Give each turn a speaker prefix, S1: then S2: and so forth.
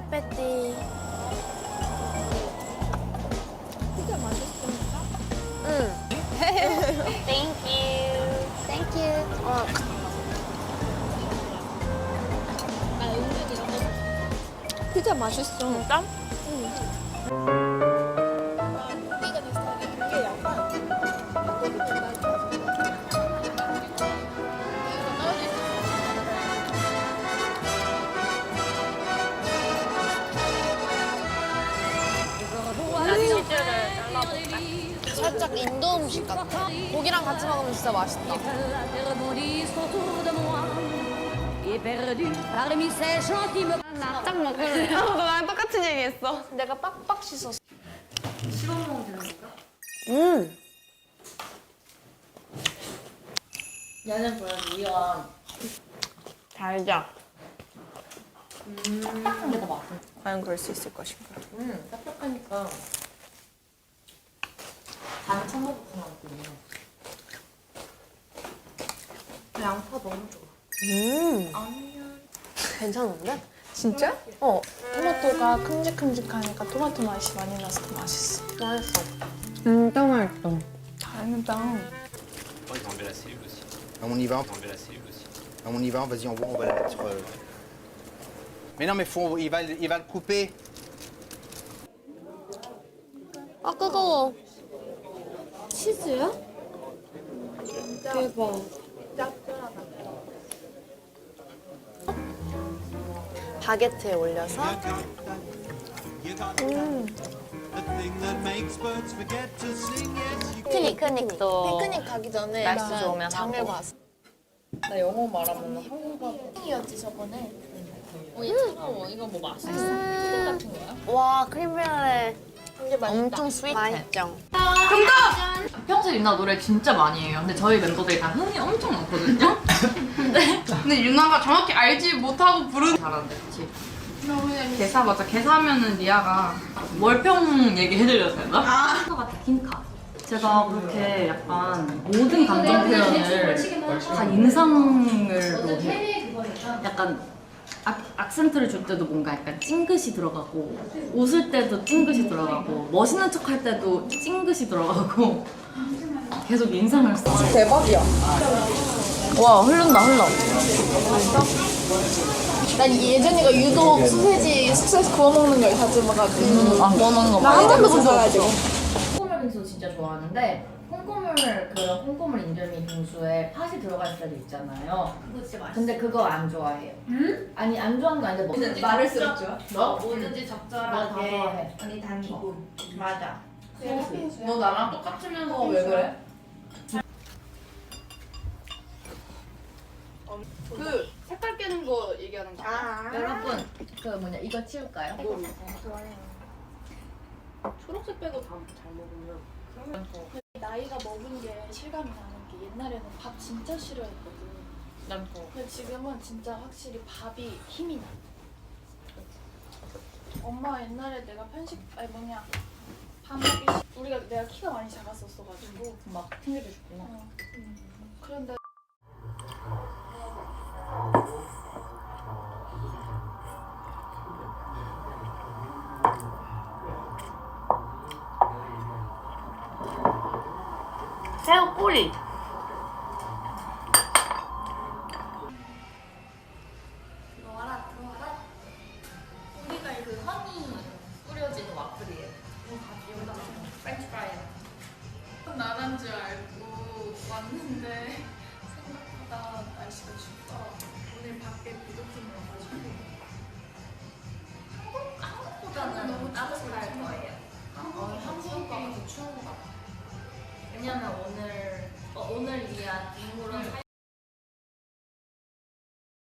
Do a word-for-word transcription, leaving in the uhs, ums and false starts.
S1: 보나페티.
S2: 피자 맛있습니까?
S1: 응. Thank you. Thank you. 어.
S2: 나 은근 이런 거 피자 맛있어.
S1: 진짜?
S2: 응. 우리가 내 스타일이 이게 약간 이렇게 된다.
S1: 나 치즈를 잘라볼까? 살짝 인도 음식 같아. 고기랑 같이 먹으면 진짜 맛있다. 납작 먹을래. 어, 나랑 똑같은 얘기했어. 내가 빡빡 씻었어.
S3: 씹어 먹으면 되는 건가?
S1: 음.
S3: 얘는 보여줘, 이와.
S1: 달자.
S3: 음, 딱딱한 게 더 맛있어.
S1: 과연 그럴 수 있을 것인가?
S3: 음, 딱딱하니까. 단 청국장 맛있네. 양파 너무 좋아.
S1: 음.
S3: 아니면.
S1: 괜찮은데?
S2: 진짜?
S1: 어.
S2: 토마토가 큼직큼직하니까 토마토 맛이 많이 나서 더 맛있어.
S1: 맛있어. 진짜 맛있어.
S2: 다행이다.
S4: Oh, ils vont enlever la cellule aussi.
S5: Ah, on y va,
S4: Ils vont enlever la cellule aussi.
S5: ah, on y va, vas-y, on va, on va la mettre. euh. Mais non, mais faut, il va, il va le couper.
S1: 아, 뜨거워.
S2: 치즈야? 대박.
S1: 바게트에 올려서. 음. 피크닉도
S3: 피크닉 가기 전에
S1: 날씨
S3: 일단
S1: 좋으면
S3: 장을
S1: 하고.
S3: 봤어. 나 영어 말하면 한국어 핑이었지 저번에. 어, 얘 차가워. 이거 뭐 맛있어? 푸딩 같은 거야?
S1: 와, 크림브렐레
S3: 근데 맛있다.
S1: 엄청 스윗해. 맛있죠?
S6: 평소에 유나 노래 진짜 많이 해요. 근데 저희 멤버들이 다 흥이 엄청 많거든요. 근데 근데 유나가 정확히 알지 못하고 부르는 잘하는데, 그치? 개사 맞아. 개사하면은 리아가 월평 얘기해드려도 되나? 아. 같아, 킹카. 제가 그렇게 약간 모든 감정 표현을 다 인상으로 해. 약간 악, 악센트를 줄 때도 뭔가 약간 찡긋이 들어가고, 웃을 때도 찡긋이 들어가고, 멋있는 척 할 때도 찡긋이 들어가고, 계속 인상을 써.
S2: 대박이야.
S6: 와, 흐른다, 흘러.
S2: 난 예전이가 유독 소세지 숙소에서 구워 먹는 걸 자주 봐가지고.
S6: 아, 구워 먹는 거
S2: 나 한 번도 못 봐가지고.
S6: 콩고물 빙수 진짜 좋아하는데, 콩고물, 그런 콩고물 인절미 빙수에 팥이 들어가 있을 때도 있잖아요.
S3: 그거 진짜 맛있어.
S6: 근데 그거 안 좋아해요. 응? 아니, 안 좋아하는 거 아닌데, 뭐.
S3: 말을 쓰면 좋아.
S6: 너?
S3: 뭐든지
S6: 너 다
S3: 적절하게.
S6: 좋아해.
S3: 언니 단 거.
S6: 맞아.
S3: 너 나랑 똑같으면서 왜 그래?
S7: 그 색깔 깨는 거 얘기하는 거 아니야?
S6: 여러분, 그 뭐냐, 이거 치울까요?
S7: 초록색 빼고 다 잘 먹으면
S2: 나이가 먹은 게 실감이 나는 게 옛날에는 밥 진짜 싫어했거든.
S6: 난 더.
S2: 근데 지금은 진짜 확실히 밥이 힘이 나. 엄마 옛날에 내가 편식 아니 뭐냐 밥 먹기 싫... 우리가 내가 키가 많이 작았었어가지고
S6: 막 챙겨주셨구나.
S2: 어. 그런데
S1: 새우 꼬리.
S3: 들어와라 들어와라. 우리가 그 허니 뿌려진 와플이에요. 이거 같이 여기다가 프렌치 프라이.
S7: 나란 줄 알고 왔는데 생각보다 날씨가 춥더라고. 오늘 밖에 비도팀 와가지고
S3: 한국 한국보다는 너무 따뜻할 거예요. 어, 한국보다 더 추운 것 같아. 왜냐면 오늘 어, 오늘 위한 인물은